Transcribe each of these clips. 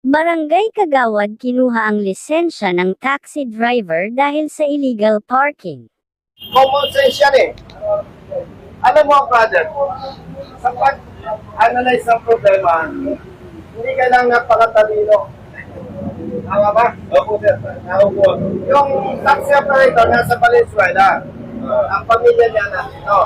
Barangay Kagawad kinuha ang lisensya ng taxi driver dahil sa illegal parking. Common sense yan eh. Alam mo, brother, sa pag-analyze ng problema, hindi ka lang napakatalino. Tama ba? Opo, sir. Opo. Yung taxi operator nasa Valenzuela, ang pamilya niya nandito.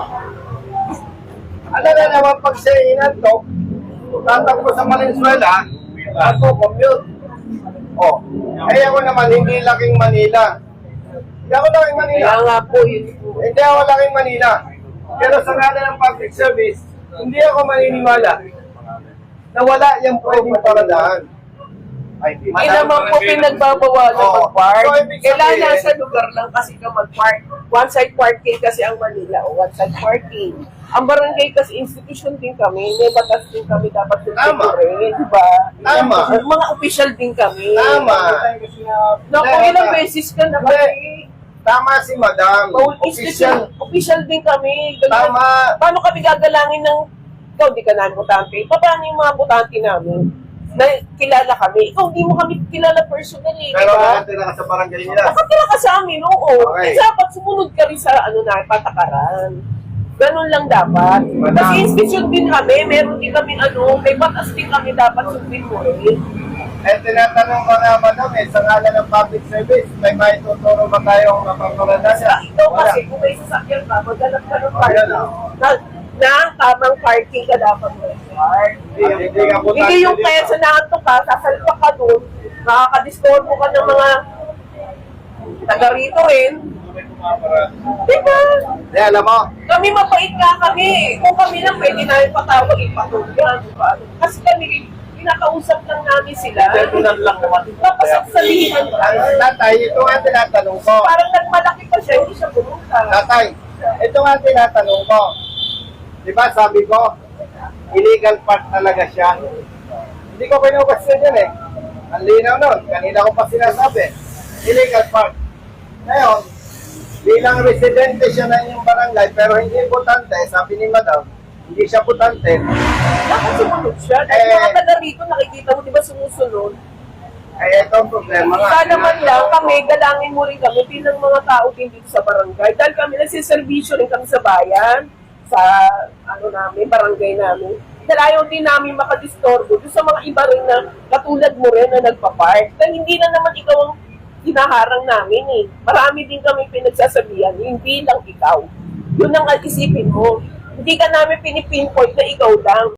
Ano na naman pag siya inantok, tatakbo sa Valenzuela, ako commute. Oh, eh ako naman, hindi laking Manila. Hindi ako laking Manila. Kaya nga po yun po. Hindi ako laking Manila. Pero sa ngala ng public service, hindi ako maniniwala na wala yung pwedeng paradaan. Hindi naman po pinagbabawalan mag-park. So, ibig Kailangan sabihin- nasa lugar lang kasi ka mag-park. One-side parking kasi ang Manila o one-side parking. Ang barangay kasi institution din kami. May batas din kami dapat tutuloy. Diba? Tama. Mga official din kami. Tama. Naku, ilang beses ka na kami. Tama si Madam. Official. Official din kami. Ganyan. Tama. Paano kami gagalangin ng ikaw di ka namin butante? Paano yung mga butante namin? Na kilala kami. Ikaw, di mo kami kilala personally, Pero di ba? nakatira ka sa barangay nila. Nakatira ka sa amin, oo. Okay. Dapat sumunod ka rin sa patakaran. Ganun lang dapat. Kasi institution din kami, meron din kami may batas din kami dapat sundin mo rin. Eh, tinatanong ko nga, Madam, sa ngala ng public service, may maituturo ba tayong mapapaladasan? Ikaw kasi, kung may sasakyan ka, maghanap ka ng Ayan, parking. Na tamang parking ka dapat mag-park. Hindi nga po Hindi yung kaya sa naanto ka, sasalpa ka doon, makakadistorbo ka ng mga taga rito rin. Diba? Eh, alam mo, Kami mapait nga kami. Kung kami lang pwede namin patawag, ipatulgan. Diba? Kasi kami, pinakausap lang namin sila. Tapos ang salihan ang tatay, ito nga tinatanong ko. parang nagmalaki pa siya, hindi siya pumunta. Tatay, ito nga tinatanong ko. Di ba sabi ko, illegal part talaga siya. Hindi ko pinupasyan yan eh. Ang linaw nun, kanina ko pa sinasabi. Illegal part. Ngayon, bilang residente siya na inyong barangay, pero hindi butante, sabi ni Madam, hindi siya butante. Dapat sumunod siya. Dahil mga taga rito, nakikita mo, di ba sumusunod? Ay, ito ang problema nga. Sana man lang kami, galangin mo rin kami bilang mga tao din dito sa barangay. Dahil kami nagsiservisyo rin kami sa bayan, sa barangay namin. Dahil ayaw din namin makadistorbo doon sa mga iba rin na katulad mo rin na nagpa-park. Dahil hindi na naman ikaw ang hinaharang namin eh. Marami din kami pinagsasabihan, hindi lang ikaw. Yun ang isipin mo. Hindi ka namin pinipinpoint na ikaw lang.